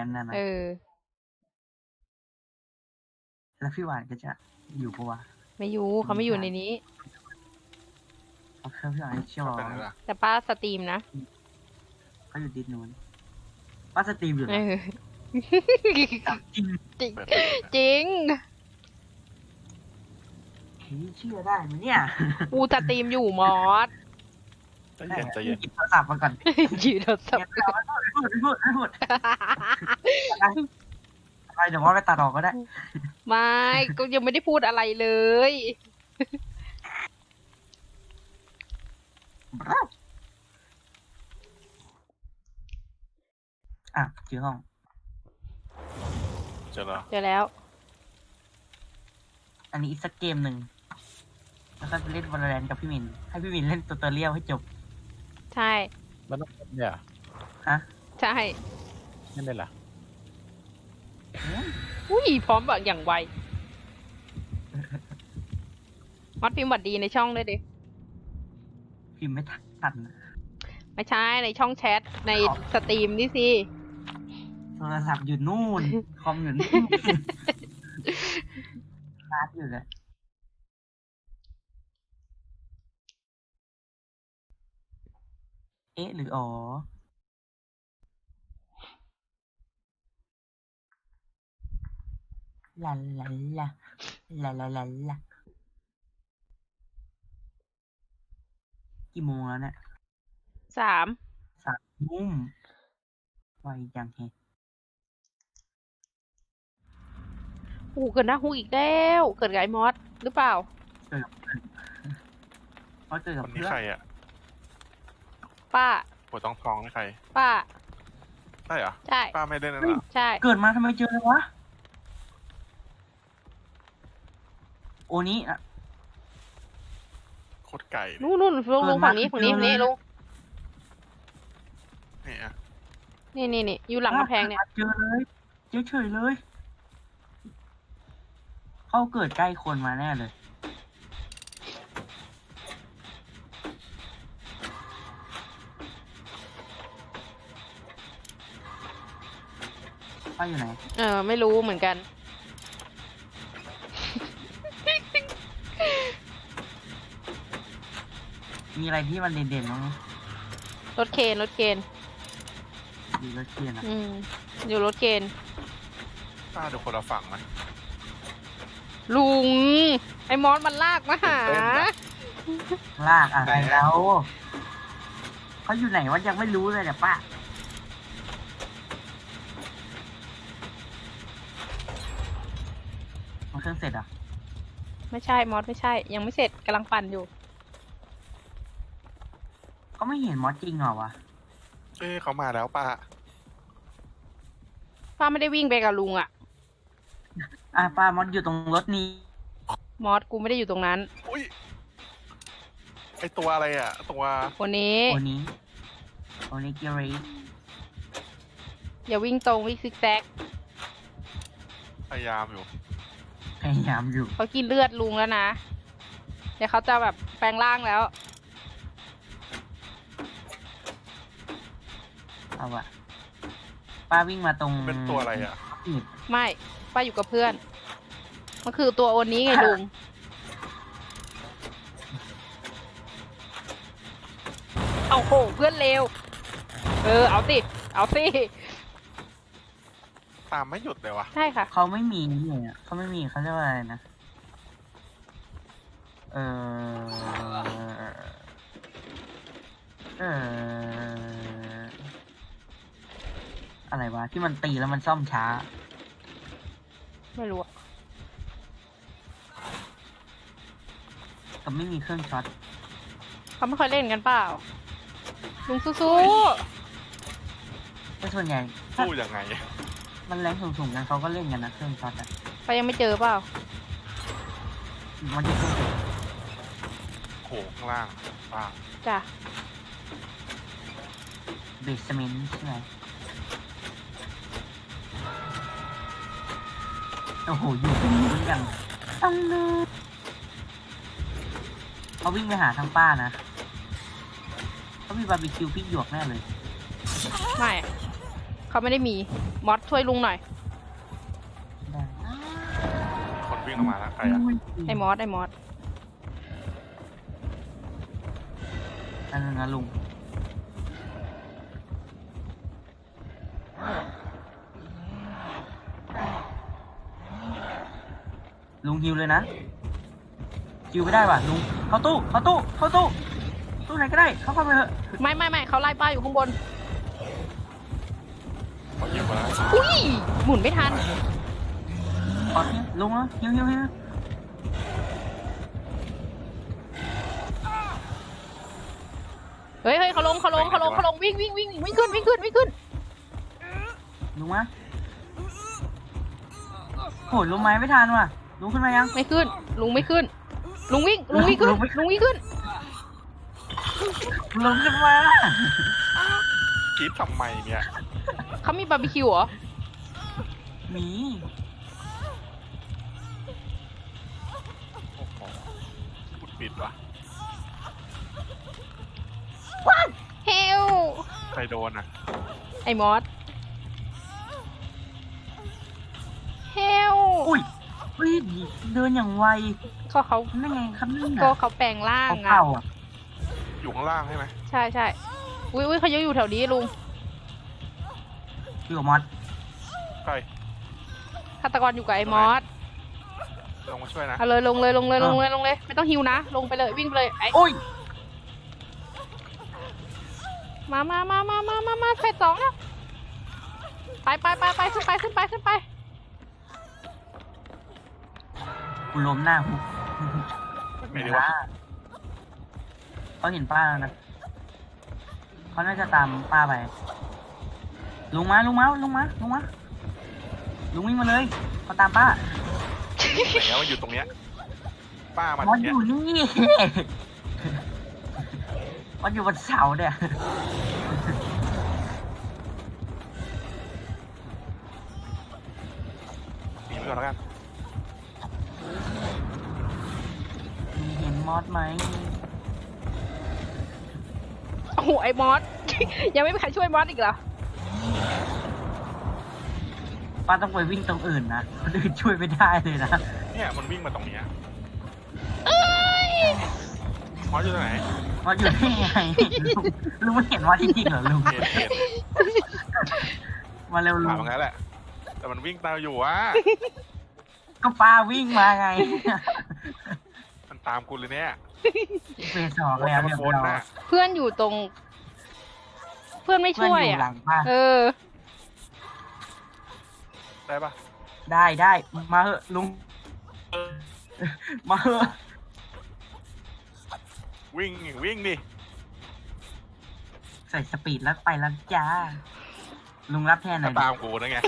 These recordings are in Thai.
นั้นนะแล้วพี่หวานก็จะอยู่ปะวะไม่อยู่เขาไม่อยู่ในนี้เขาพี่หวานเชียวแต่ป้าสตรีมนะเขาอยู่ดิสนู้นป้าสตรีมอยู่เหรอจริงจริงเชื่อได้ไหมเนี่ยกูสตรีมอยู่มอสใจเย็นใจเย็นหยิบโทรศัพท์มาก่อนยืนโทรศัพท์พูดอะไรเดี๋ยวมอสไปตัดออกก็ได้ไม่ก็ยังไม่ได้พูดอะไรเลยอ่ะเจอห้องเจอแล้วเจอแล้วอันนี้อีกสักเกมหนึ่งแล้วก็เล่น Valorant กับพี่มินให้พี่มินเล่นตัวเรียวให้จบใช่มันต้องเนี่ยฮะใช่ไม่เล่นเหรออุ้ยพร้อมแบบอย่างไวมัดพิมพ์บัดดีในช่องด้วยดิพิมพ์ไม่ทันไม่ใช่ในช่องแชทในสตรีมนี่สิโทรศัพท์อยู่นู่นคอมอยู่นู่นชาร์จอยู่เลยเอ๊ะหรืออ๋อลาลาลาลาลาลาลากี่โมงแล้วเนี่ย 3 ทุ่มไวจังแฮะเกิดหน้าฮูอีกแล้วเกิดไกมอสหรือเปล่าเกิดกับคนนี้เพื่อนใครอ่ะป้าปวดท้องนี่ใครป้าใช่เหรอใช่ป้าไม่ได้นั่นหรอใช่เกิดมาทำไมเจอเลยวะโอนี้อ่ะโคตรไก่นู่นลงฝั่งนี้ลุงนี่อ่ะนี่อยู่หลังกำแพงเนี่ยเจอเลยเฉยเลยเขาเกิดใกล้คนมาแน่เลยเขาอยู่ไหนไม่รู้เหมือนกันมีอะไรที่มันเด่นๆมั้งรถเคนอยู่รถเคนนะอยู่รถเคนป้าดูคนละฝั่งนะลุงไอ้มอสมันลากมาหาลากอะไรแล้วเขาอยู่ไหนวะยังไม่รู้เลยเนี่ยป้ามันเครื่องเสร็จอ่ะไม่ใช่มอสไม่ใช่ยังไม่เสร็จกำลังปั่นอยู่ก็ไม่เห็นมอสจริงเหรอวะเขามาแล้วป้าไม่ได้วิ่งไปกับลุงอ่ะป้ามอสอยู่ตรงรถนี้มอสกูไม่ได้อยู่ตรงนั้นอุ้ยไอตัวอะไรอ่ะตัวนี้เกียร์รีอย่าวิ่งตรงวิ่งซิกแซกพยายามอยู่เขากินเลือดลุงแล้วนะเดี๋ยวเขาจะแบบแปลงร่างแล้วเอาวะป้าวิ่งมาตรงเป็นตัวอะไรอ่ะไม่ป้าอยู่กับเพื่อนมันคือตัวโอนี้ไงลุงเอาโหเพื่อนเลวเอาสิตามไม่หยุดเลยวะใช่ค่ะเขาไม่มีเนี่ยเขาไม่มีเขาเรียกว่าอะไรนะอะไรวะที่มันตีแล้วมันซ่อมช้าไม่รู้ก็ไม่มีเครื่องช็อตเขาไม่ค่อยเล่นกันเปล่าลุงสู้แต่ส่วนใหญ่สู้ยังไงมันแรงสูงๆกันเขาก็เล่นกันนะเครื่องช็อตอะไปยังไม่เจอเปล่ามันจะเครื่องโขข้างล่างป้าจ้ะเบสเมนต์ใช่ไหมโอ้โหอยู่ตรงนี้อย่างตั้งเลยเขาวิ่งไปหาทางป้านะเขามีบาร์บีคิวพริกหยวกแน่เลยไม่เขเขาไม่ได้มีมอสช่วยลุงหน่อยได้คนวิ่งออกมาแล้วใครอะไอ้มอสนั่นนะลุงลุงฮิวเลยนะฮิวไม่ได้ว่ะลุงเข้าตู้ตู้ไหนก็ได้เข้าไปเถอะไม่เขาไล่ป้าอยู่ข้างบนเขายิงมาแล้วอุ้ยหมุนไม่ทันขอเนี่ยลุงเหรอฮิวเฮ้ยเขาลงวิ่งขึ้นลุงมะโหลุงไม้ไม่ทันว่ะลุงขึ้นมายังไม่ขึ้น ลุงไม่ขึ้น ลุงวิ่งขึ้นลุงขึ้นมากรีดทำไมเนี่ยเขามีบาร์บีคิวเหรอหมีโอ้โหปุดปิดวะเฮลใครโดนอ่ะไอ้มอส เฮลอุ้ยเดินอย่างไวเขานั่นไงครับนี่ก็น่ะเขาแปลงร่างเขาเข่าอ่ะอยู่ข้างล่างใช่ไหมใช่อุ้ยเขายังอยู่แถวนี้ลุงอยู่กับมอสใครฆาตกรอยู่กับไอ้มอสลงมาช่วยนะเอาเลยลงเลยไม่ต้องฮิวนะลงไปเลยวิ่งไปเลยไอ้โอ้ยมาเฟส2แล้วไปขึ้นไปกูล้มหน้ากูไม่ดีวะเขาเห็นป้าแล้วนะเขาน่าจะตามป้าไปลุงมาลุงวิ่งมาเลยเขาตามป้าไหนอะมันอยู่ตรงเนี้ยป้ามาตมรอง สเนี้อย ยู่นี่ มอสอยู่บนเสาเนี่ยหนีไปก่อนแล้วกันเห็นมอสไหมโอ้โหไอ้มอส ยังไม่มีใครช่วยมอสอีกเหรอป้าต้องไปวิ่งตรงอื่นนะคนอื่นช่วยไม่ได้เลยนะเนี่ยมันวิ่งมาตรงเนี้ยมอสอยู่ตรงไหนมอสอยู่นี่ไงลุงไม่เห็นมอสจริงๆเหรอลุงเห็นมาเร็วลุถาง มงั้นแหละ แต่มันวิ่งตามอยู่วะก็ป้าวิ่งมาไงมันตามกูเลยเนี่ยเฟสสองแล้วมันเรียบวนร้อยน่ะเพื่อนอยู่ตรง เพื่อนไม่เพื่อนช่วยอยู่หลัอ่ะงป้าเออได้ปะได้มาเหอะลุง มาเหอะวิ่งดิใส่สปีดแล้วไปแล้วจ้า ลุงรับแทนหน่ถ้าอยดิตามกูนะไง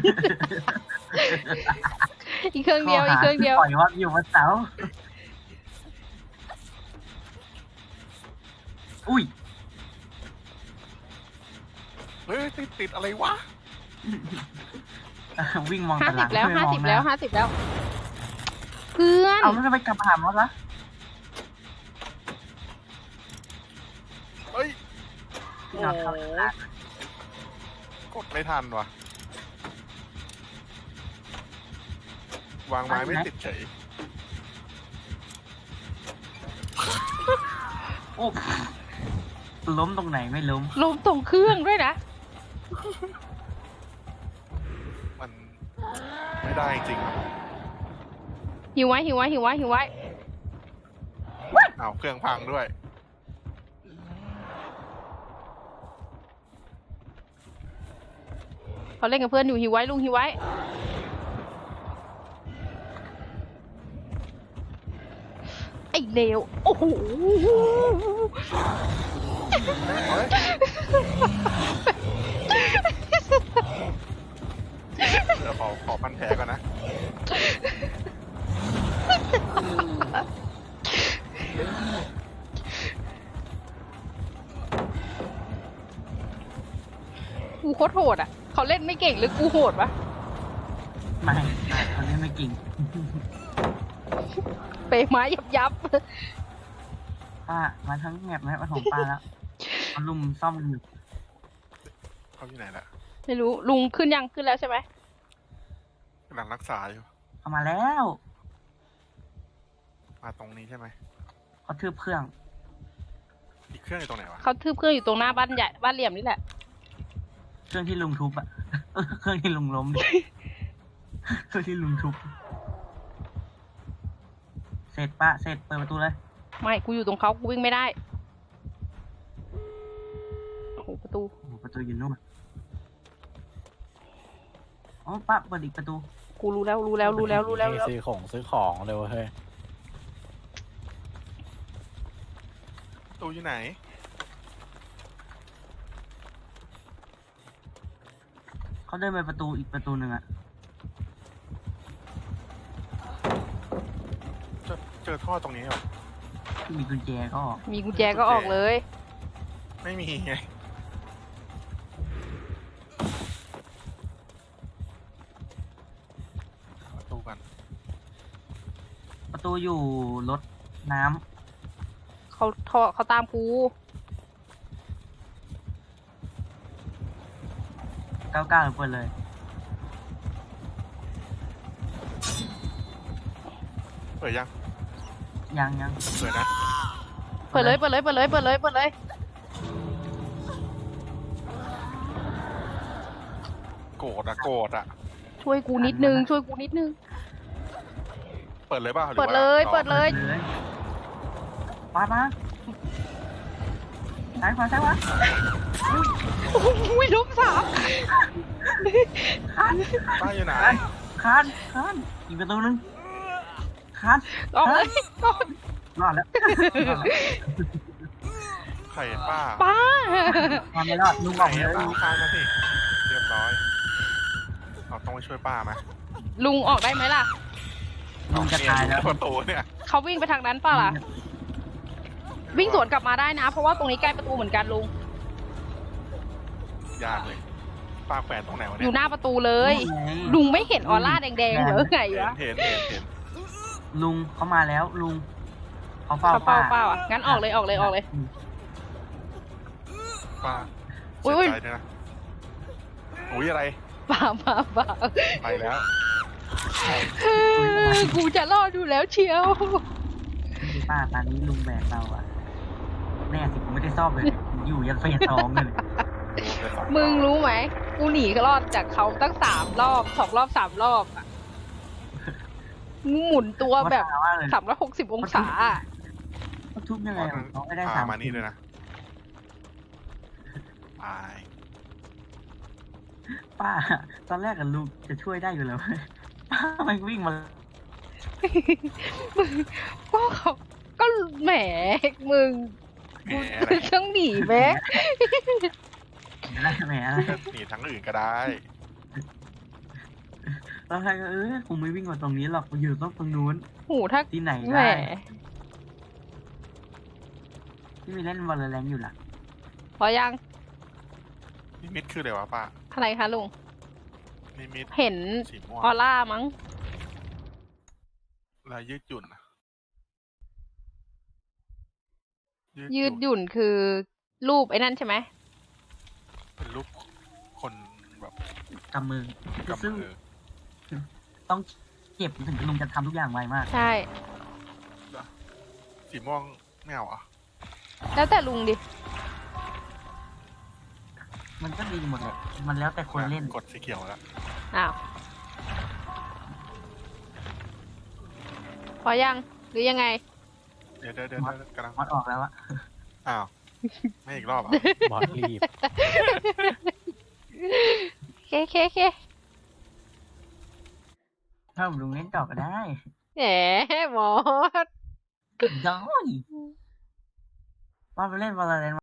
อีกเครื่องเดียวข้หาปล่อยว่าอยู่บนเสาอุ้ยเฮ้ยติดอะไรวะวิ่งมอง 50 ตารางแล้วไม่มอง 50 แล้ว เพื่อนเอาแล้วทำไมกลับมาหามอสละเฮ้ยพี่น็อตเข้าตลาดกดไม่ทันวะวางไม้ไม่ติดเฉยโอ้ล้มตรงไหนไม่ล้มลมตรงเครื่องด้วยนะมันไม่ได้จริงหิวไว้เอาเครื่องพังด้วยเขาเล่นกับเพื่อนอยู่หิวไว้ลุงหิวไว้ ไอ้เลว โอ้โหเฮ้ย เดี๋ยวขอพันแผลก่อนนะกูโคตรโหดอ่ะ เขาเล่นไม่เก่งหรือกูโหดวะไม่เขาเล่นไม่จริงเปไม้ยับป้ามาทั้งแมปมาของป้าแล้วเขาลุมซ่อมกันอยู่เขาอยู่ไหนล่ะไม่รู้ลุงขึ้นยังขึ้นแล้วใช่ไหมกำลังรักษาอยู่เอามาแล้วมาตรงนี้ใช่ไหมเขาทืบเครื่องอีกเครื่องอยู่ตรงไหนวะเขาทืบเครื่องอยู่ตรงหน้าบ้านใหญ่บ้านเหลี่ยมนี่แหละเครื่องที่ลุงทุบอะ เครื่องที่ลุงล้มดิ เครื่องที่ลุงทุบ เสร็จปะเสร็จเปิดประตูเลยไม่กูอยู่ตรงเขากูวิ่งไม่ได้โอ้โหประตูโอ้โหประตูอยู่นู่นอ๋อป้าเปิดอีกประตูกูรู้แล้วซื้อของเร็วเฮ้ยตู้อยู่ไหนเขาเดินไปประตูอีกประตูหนึ่งอะเจอท่อตรงนี้เหรอที่มีกุญแจก็ออกมีกุญแจก็ออกเลยไม่มีไง ประตูกันประตูอยู่รถน้เขาตามกูำ99เปิดเลยเปิดยังยังเปิดนะเปิดเลยโกรธอะช่วยกูนิดนึงเปิดเลยป่ะหรือเปิดว่าเลยรอเปิดเลยปาดมาซ้ายขวาโอ้ยล้มสามป้าอยู่ไหนคานอีกประตูหนึงคานออกเลยออกรอดแล้วใครป้าป้าคานไม่รอดลุงใคอรอกเลยป้าคานมาสิ เรียบร้อย เราต้องไปช่วยป้าไหมลุงออกได้ไหมล่ะลุงจะตายแล้วประตูเนี่ยเขาวิ่งไปทางนั้นเปล่าล่ะ วิ่งสวนกลับมาได้นะ เพราะว่าตรงนี้ใกล้ประตูเหมือนกันลุงยากเลย ป้าแขวนตรงไหนวะอเนี่ยยู่หน้าประตูเลยลุลุงงไม่เห็นออร่าแดงๆเหรอไงวะเห็นลุงเขามาแล้วลุงเขาเฝ้าเขาเป้าอ่ะ งั้นออกเลยป้าอุ๊เสียยใจด้วยนะอุ้ยอะไรป่าไปแล้วกูจะรอดอยู่แล้วเชียวป้าตอนนี้ลุงแบกเราอะแน่สิผมไม่ได้ซ่อมเลยอยู่ยันเฟส2เลยมึงรู้ไหม กูหนีรอดจากเขาตั้ง3 รอบ 2 รอบ 3 รอบอ่ะมึงหมุนตัวแบบว่าเลย 360 องศาอะเขาทุบยังไงอะเขาไม่ได้พาสามมานี่เลยนะตายป้า ตอนแรกกับลุงจะช่วยได้อยู่แล้วป้ามันวิ่งมาก็เขาก็แหมมึงแหมกูอะไรต้องหนีไหมได้แหมอะไรหนีทั้งอื่นก็ได้แล้วใครก็คงไม่วิ่งมาตรงนี้หรอกอยู่ต้องตรงนู้นหูถ้าที่ไหนแหมได้ที่มีเล่นวอลเลนอยู่ล่ะพอยังนิมิตคืออะไรวะป้าอะไรคะลุงนิมิตเห็นสีม่วงออร่ามั้งลายยืดหยุ่นอะยืดหยุ่นคือรูปไอ้นั่นใช่ไหมเป็นรูปคนแบบกำมือกำซึ่งมือต้องเก็บถึงลุงจะทำทุกอย่างไวมากใช่สีม่วงไม่เอาอ่ะแล้วแต่ลุงดิมันก็ดีหมดเลยมันแล้วแต่คนเล่นกดสีเขียวแล้วอ้าว พอยัง หรือยังไงเดี๋ยวกำลังมอดออกแล้วอะอ้าว ไม่อีกรอบอ่ะบอสรีบเคถ้าผมลุงเล่นต่อก็ได้แหมหมอย้อยว่าไปเล่นวอลเลน